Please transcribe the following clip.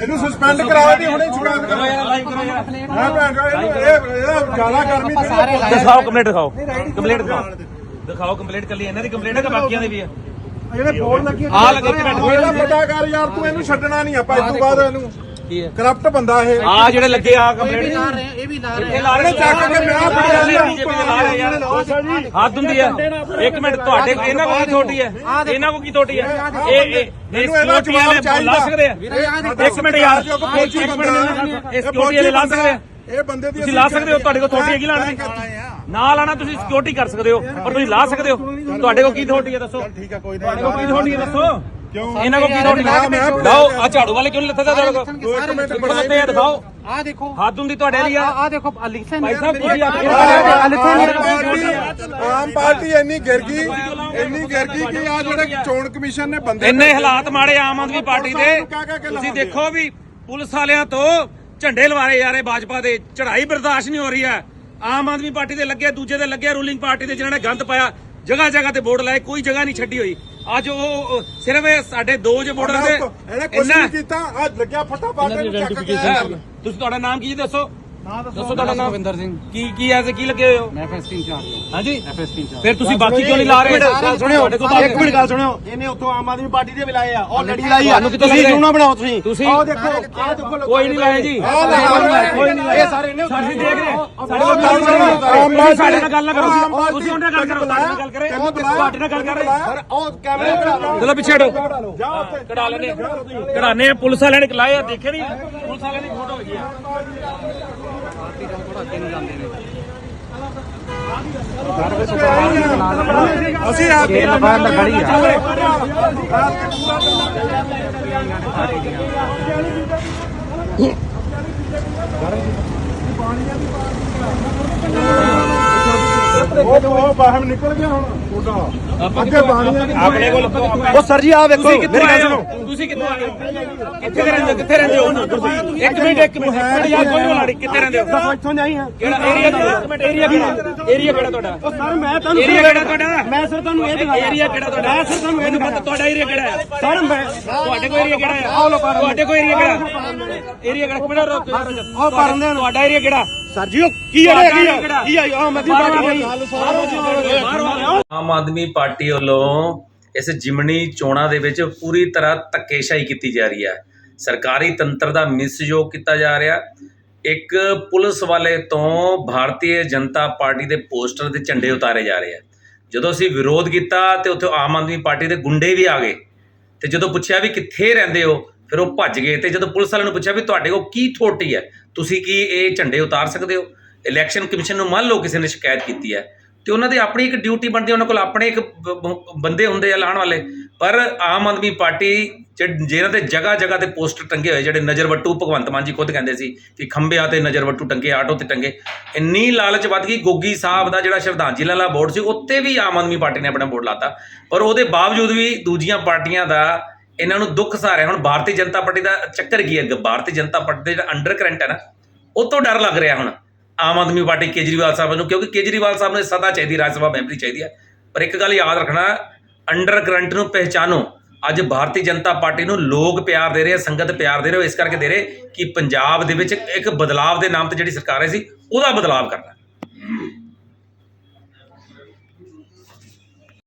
ਇਹਨੂੰ ਸਸਪੈਂਡ ਕਰਾਓ ਤੇ ਹੁਣੇ ਛੁਡਾ ਕਰੋ ਯਾਰ, ਲਾਈਵ ਕਰੋ ਯਾਰ। ਮੈਂ ਭੈਣ ਚੋ ਇਹ ਜ਼ਿਆਦਾ ਗਰਮੀ ਦਿਖਾਓ ਕੰਪਲੀਟ ਦਿਖਾਓ, ਕੰਪਲੀਟ ਦਿਖਾਓ ਕੰਪਲੀਟ ਕੱਲੀ ਇਹਨਾਂ ਦੀ ਕੰਪਲੀਟ ਹੈ ਕਿ ਬਾਕੀਆਂ ਦੀ ਵੀ ਹੈ? ਜਿਹੜੇ ਬੋਰਡ ਲੱਗੇ ਆ ਲੱਗੇ ਇਹਦਾ ਪਤਾ ਕਰ ਯਾਰ, ਤੂੰ ਇਹਨੂੰ ਛੱਡਣਾ ਨਹੀਂ ਆਪਾਂ ਇਸ ਤੋਂ ਬਾਅਦ ਇਹਨੂੰ ਕਰਪਟ ਬੰਦਾ ਇਹ ਆ ਜਿਹੜੇ ਲੱਗੇ ਆ ਕੰਪਲੀਟ ਇਹ ਵੀ ਲਾ ਰਹੇ ਇਹ ਲਾ ਰਹੇ ਚੱਕ ਕੇ ਵਿਆਹ ਪੜਿਆ ਬੀਜੇਪੀ ਦੇ ਲਾ ਰਹੇ ਯਾਰ। ਹੱਦ ਹੁੰਦੀ ਹੈ। ਇੱਕ ਮਿੰਟ, ਤੁਹਾਡੇ ਇਹਨਾਂ ਕੋਲ ਕੀ ਥੋਟੀ ਹੈ? ਇਹਨਾਂ ਕੋਲ ਕੀ ਥੋਟੀ ਹੈ? ਇਹ ਸਿਕਿਉਰਿਟੀ ਵਾਲੇ ਲਾ ਸਕਦੇ ਆ? ਇੱਕ ਮਿੰਟ ਯਾਰ, ਇੱਕ ਮਿੰਟ, ਇਹ ਸਿਕਿਉਰਿਟੀ ਵਾਲੇ ਲਾ ਸਕਦੇ ਆ? ਇਹ ਬੰਦੇ ਦੀ ਤੁਸੀਂ ਲਾ ਸਕਦੇ ਹੋ, ਤੁਹਾਡੇ ਕੋਲ ਥੋਟੀ ਹੈਗੀ ਲਾਣ ਦੀ? ਨਾ ਲਾਣਾ, ਤੁਸੀਂ ਸਿਕਿਉਰਿਟੀ ਕਰ ਸਕਦੇ ਹੋ, ਪਰ ਤੁਸੀਂ ਲਾ ਸਕਦੇ ਹੋ। ਤੁਹਾਡੇ ਕੋਲ ਕੀ ਥੋਟੀ ਹੈ ਦੱਸੋ? ਠੀਕ ਹੈ, ਕੋਈ ਤੁਹਾਡੇ ਕੋਲ ਕੀ ਥੋਟੀ ਹੈ ਦੱਸੋ? ਕਿਉਂ ਇਹਨਾਂ ਕੋਲ ਕੀ ਥੋਟੀ ਹੈ? ਲਾਓ ਆ ਝਾੜੂ ਵਾਲੇ ਕਿਉਂ ਲੱਥਾ ਤੁਹਾਡੇ ਕੋਲ? ਤੇ ਦਿਖਾਓ, ਆ ਦੇਖੋ ਹੱਦ ਹੁੰਦੀ ਤੁਹਾਡੇ ਲਈ ਆ ਦੇਖੋ ਲਿਖਿਆ ਭਾਈ ਸਾਹਿਬ ਤੁਸੀਂ ਆਮ ਪਾਰਟੀ ਇੰਨੀ ਗਿਰ ਗਈ ਕਿ ਆ ਜਿਹੜੇ ਚੋਣ ਕਮਿਸ਼ਨ ਨੇ ਬੰਦੇ ਇੰਨੇ ਹਾਲਾਤ ਮਾੜੇ ਆਮ ਆਦਮੀ ਪਾਰਟੀ ਦੇ। ਤੁਸੀਂ ਦੇਖੋ ਵੀ ਪੁਲਿਸ ਵਾਲਿਆਂ ਤੋਂ ਝੰਡੇ ਲਵਾਰੇ ਜਾ ਰਹੇ ਭਾਜਪਾ ਦੇ, ਚੜ੍ਹਾਈ ਬਰਦਾਸ਼ਤ ਨਹੀਂ ਹੋ ਰਹੀ ਹੈ। ਆਮ ਆਦਮੀ ਪਾਰਟੀ ਦੇ ਲੱਗੇ, ਦੂਜੇ ਦੇ ਲੱਗੇ, ਰੂਲਿੰਗ ਪਾਰਟੀ ਦੇ ਜਿਹਨਾਂ ਨੇ ਗੰਦ ਪਾਇਆ, ਜਗ੍ਹਾ ਜਗ੍ਹਾ ਤੇ ਬੋਰਡ ਲਾਏ, ਕੋਈ ਜਗ੍ਹਾ ਨਹੀਂ ਛੱਡੀ ਹੋਈ। ਅੱਜ ਉਹ ਸਿਰਫ ਸਾਡੇ ਦੋ ਜੇ ਬੋਰਡ ਦੇ ਇਹਨੇ ਕੁਝ ਨਹੀਂ ਕੀਤਾ। ਆ ਲੱਗਿਆ ਫਟਾ ਪਾ ਕੇ ਚੱਕ ਕੇ ਤੁਸੀਂ, ਤੁਹਾਡਾ ਨਾਮ ਕੀ ਜੀ ਦੱਸੋ? ਦੱਸੋ ਤੁਹਾਡਾ ਨਾਮ? ਰਵਿੰਦਰ ਸਿੰਘ। ਕੀ ਐਸੇ ਕੀ ਲੱਗੇ ਹੋਏ ਹੋ? ਮੈਂ ਐਫਐਸਟੀ ਇੰਚਾਰਜ ਹਾਂ। ਹਾਂਜੀ, ਐਫਐਸਟੀ ਇੰਚਾਰਜ। ਫਿਰ ਤੁਸੀਂ ਬਾਕੀ ਕਿਉਂ ਨਹੀਂ ਲਾ ਰਹੇ? ਸੁਣਿਓ, ਇੱਕ ਮਿੰਟ ਗੱਲ ਸੁਣਿਓ। ਇਹਨੇ ਉੱਥੋਂ ਆਮ ਆਦਮੀ ਪਾਰਟੀ ਦੇ ਵੀ ਲਾਏ ਆ, ਉਹ ਲੜੀ ਲਾਈ ਆ। ਤੁਹਾਨੂੰ ਕਿੱਥੋਂ ਤੁਸੀਂ ਲਾਏ? ਕਿਉਂ ਨਾ ਬਣਾਓ ਤੁਸੀਂ? ਤੁਸੀਂ ਆਹ ਦੇਖੋ, ਆਹ ਦੇਖੋ, ਕੋਈ ਨਹੀਂ ਲਾਇਆ ਜੀ, ਕੋਈ ਨਹੀਂ ਲਾਇਆ। ਇਹ ਸਾਰੇ ਇਹਨੇ ਅਸੀਂ ਦੇਖ ਰਹੇ ਹਾਂ। ਸਾਡੇ ਨਾਲ ਗੱਲ ਨਾ ਕਰੋ, ਤੁਸੀਂ ਉਹਨਾਂ ਨਾਲ ਗੱਲ ਕਰੋ, ਸਾਡੇ ਨਾਲ ਗੱਲ ਕਰੇ, ਤੁਹਾਡੇ ਨਾਲ ਗੱਲ ਕਰ ਰਹੇ। ਉਹ ਕੈਮਰੇ ਕਢਾ ਚਲੋ ਪਿੱਛੇ ਹਟੋ, ਕਢਾ ਲੈਣੇ, ਕਢਾਣੇ ਆ। ਪੁਲਿਸ ਵਾਲਿਆਂ ਨੇ ਲਾਏ ਆ, ਦੇਖੇ ਨਹੀਂ? ਪੁਲਿਸ ਵਾਲਿਆਂ ਦੀ ਫੋਟੋ ਹੈਗੀ ਆ। ਅਸੀਂ ਆਪ ਖੜੀ ਆ। ਉਹ ਬਾਹਰ ਨਿਕਲ ਗਿਆ ਹੁਣ ਅੱਗੇ ਬਾਣੀਆਂ ਦੀ ਆਪਣੇ ਕੋਲ ਉਹ ਸਰ ਜੀ ਆ ਵੇਖੋ, ਤੁਸੀਂ ਕਿੱਥੋਂ ਮੇਰੀ ਆਏ ਗੱਲ ਹੋ? ਸੁਣੋ। ਤੁਸੀਂ ਕਿੱਥੋਂ ਆਏ ਹੋ? ਕਿੱਥੇ ਰਹਿੰਦੇ ਹੋ? ਕਿੱਥੇ ਰਹਿੰਦੇ ਹੋ? ਇੱਕ ਮਿੰਟ ਯਾਰ, ਕੋਈ ਨਹੀਂ ਲਾੜੀ, ਕਿੱਥੇ ਰਹਿੰਦੇ ਹੋ? ਦੱਸੋ ਇੱਥੋਂ ਜਾਈ ਹਾਂ। ਕਿਹੜਾ ਏਰੀਆ? ਇੱਕ ਮਿੰਟ, ਏਰੀਆ ਕਿਹੜਾ? ਏਰੀਆ ਕਿਹੜਾ ਤੁਹਾਡਾ? ਉਹ ਸਰ ਮੈਂ ਤੁਹਾਨੂੰ ਏਰੀਆ ਕਿਹੜਾ ਤੁਹਾਡਾ? ਮੈਂ ਸਰ ਤੁਹਾਨੂੰ ਇਹ ਦਿਖਾਇਆ। ਏਰੀਆ ਕਿਹੜਾ ਤੁਹਾਡਾ? ਮੈਂ ਸਰ ਤੁਹਾਨੂੰ ਇਹ ਮੈਨੂੰ ਦਿਖਾਇਆ। ਪਤਾ ਤੁਹਾਡਾ ਏਰੀਆ ਕਿਹੜਾ ਹੈ। ਸਰ ਮੈਂ ਤੁਹਾਡੇ ਕੋਲ ਏਰੀਆ ਕਿਹੜਾ ਹੈ? ਤੁਹਾਡੇ ਕੋਲ ਏਰੀਆ ਕਿਹੜਾ? ਏਰੀਆ ਕਿਹੜਾ? ਕਿਹੜਾ ਉਹ ਕਰਨ ਦੇਣ। ਤੁਹਾਡਾ ਏਰੀਆ ਕਿਹੜਾ? ਸਰ ਜੀ ਉਹ ਕੀ ਹੈ ਕੀ ਆ ਆਮ ਆਦਮੀ ਪਾਰਟੀ ਆਮ ਆਦਮੀ ਪਾਰਟੀ ਵੱਲੋਂ ਇਸ ਜਿਮਣੀ ਚੋਣਾਂ ਦੇ ਵਿੱਚ ਪੂਰੀ ਤਰ੍ਹਾਂ ਧੱਕੇਸ਼ਾਹੀ ਕੀਤੀ ਜਾ ਰਹੀ ਹੈ। ਸਰਕਾਰੀ ਤੰਤਰ ਦਾ ਮਿਸਯੋਗ ਕੀਤਾ ਜਾ ਰਿਹਾ। ਇੱਕ ਪੁਲਿਸ ਵਾਲੇ ਤੋਂ ਭਾਰਤੀ ਜਨਤਾ ਪਾਰਟੀ ਦੇ ਪੋਸਟਰ ਤੇ ਝੰਡੇ ਉਤਾਰੇ ਜਾ ਰਹੇ ਆ। ਜਦੋਂ ਅਸੀਂ ਵਿਰੋਧ ਕੀਤਾ ਤੇ ਉੱਥੇ ਆਮ ਆਦਮੀ ਪਾਰਟੀ ਦੇ ਗੁੰਡੇ ਵੀ ਆ ਗਏ ਤੇ ਜਦੋਂ ਪੁੱਛਿਆ ਵੀ ਕਿੱਥੇ ਰਹਿੰਦੇ ਹੋ, ਫਿਰ ਉਹ ਭੱਜ ਗਏ। ਤੇ ਜਦੋਂ ਪੁਲਿਸ ਵਾਲਿਆਂ ਨੂੰ ਪੁੱਛਿਆ ਵੀ ਤੁਹਾਡੇ ਕੋਲ ਕੀ ਅਥਾਰਟੀ ਹੈ, ਤੁਸੀਂ ਕੀ ਇਹ ਝੰਡੇ ਉਤਾਰ ਸਕਦੇ ਹੋ? ਇਲੈਕਸ਼ਨ ਕਮਿਸ਼ਨ ਨੂੰ ਮੰਨ ਲਓ ਕਿਸੇ ਨੇ ਸ਼ਿਕਾਇਤ ਕੀਤੀ ਹੈ ਤੇ ਉਹਨਾਂ ਦੀ ਆਪਣੀ ਇੱਕ ਡਿਊਟੀ ਬਣਦੀ ਹੈ, ਉਹਨਾਂ ਕੋਲ ਆਪਣੇ ਇੱਕ ਬੰਦੇ ਹੁੰਦੇ ਆ ਲਾਉਣ ਵਾਲੇ। ਪਰ ਆਮ ਆਦਮੀ ਪਾਰਟੀ ਜਿਹਨਾਂ ਦੇ ਜਗ੍ਹਾ ਜਗ੍ਹਾ ਤੇ ਪੋਸਟਰ ਟੰਗੇ ਹੋਏ, ਜਿਹੜੇ ਨਜ਼ਰਵੱਟੂ, ਭਗਵੰਤ ਮਾਨ ਜੀ ਖੁਦ ਕਹਿੰਦੇ ਸੀ ਕਿ ਖੰਭਿਆਂ ਤੇ ਨਜ਼ਰਵੱਟੂ ਟੰਗੇ, ਆਟੋ ਤੇ ਟੰਗੇ, ਇੰਨੀ ਲਾਲਚ ਵੱਧ ਗਈ। ਗੋਗੀ ਸਾਹਿਬ ਦਾ ਜਿਹੜਾ ਸ਼ਰਧਾਂਜਲੀ ਵਾਲਾ ਬੋਰਡ ਸੀ, ਉੱਤੇ ਵੀ ਆਮ ਆਦਮੀ ਪਾਰਟੀ ਨੇ ਆਪਣਾ ਬੋਰਡ ਲਾਤਾ। ਪਰ ਉਹਦੇ ਬਾਵਜੂਦ ਵੀ ਦੂਜੀਆਂ ਪਾਰਟੀਆਂ ਦਾ ਇਹਨਾਂ ਨੂੰ ਦੁੱਖ ਸਹਾਰਿਆ। ਹੁਣ ਭਾਰਤੀ ਜਨਤਾ ਪਾਰਟੀ ਦਾ ਚੱਕਰ ਕੀ ਹੈ? ਭਾਰਤੀ ਜਨਤਾ ਪਾਰਟੀ ਦਾ ਜਿਹੜਾ ਅੰਡਰ ਕਰੰਟ ਹੈ ਨਾ, ਉਹ ਤੋਂ ਡਰ ਲੱਗ ਰਿਹਾ ਹੁਣ ਆਮ ਆਦਮੀ ਪਾਰਟੀ ਕੇਜਰੀਵਾਲ ਸਾਹਿਬ ਨੂੰ, ਕਿਉਂਕਿ ਕੇਜਰੀਵਾਲ ਸਾਹਿਬ ਨੂੰ ਸਦਾ ਚਾਹੀਦੀ, ਰਾਜ ਸਭਾ ਮੈਂਬਰੀ ਚਾਹੀਦੀ ਹੈ। ਪਰ ਇੱਕ ਗੱਲ ਯਾਦ ਰੱਖਣਾ, ਅੰਡਰ ਕਰੰਟ ਨੂੰ ਪਹਿਚਾਨੋ। ਅੱਜ ਭਾਰਤੀ ਜਨਤਾ ਪਾਰਟੀ ਨੂੰ ਲੋਕ ਪਿਆਰ ਦੇ ਰਹੇ, ਸੰਗਤ ਪਿਆਰ ਦੇ ਰਹੇ, ਇਸ ਕਰਕੇ ਦੇ ਰਹੇ ਕਿ ਪੰਜਾਬ ਦੇ ਵਿੱਚ ਇੱਕ ਬਦਲਾਵ ਦੇ ਨਾਮ ਤੇ ਜਿਹੜੀ ਸਰਕਾਰ ਆਈ ਸੀ, ਉਹਦਾ ਬਦਲਾਵ ਕਰਨਾ।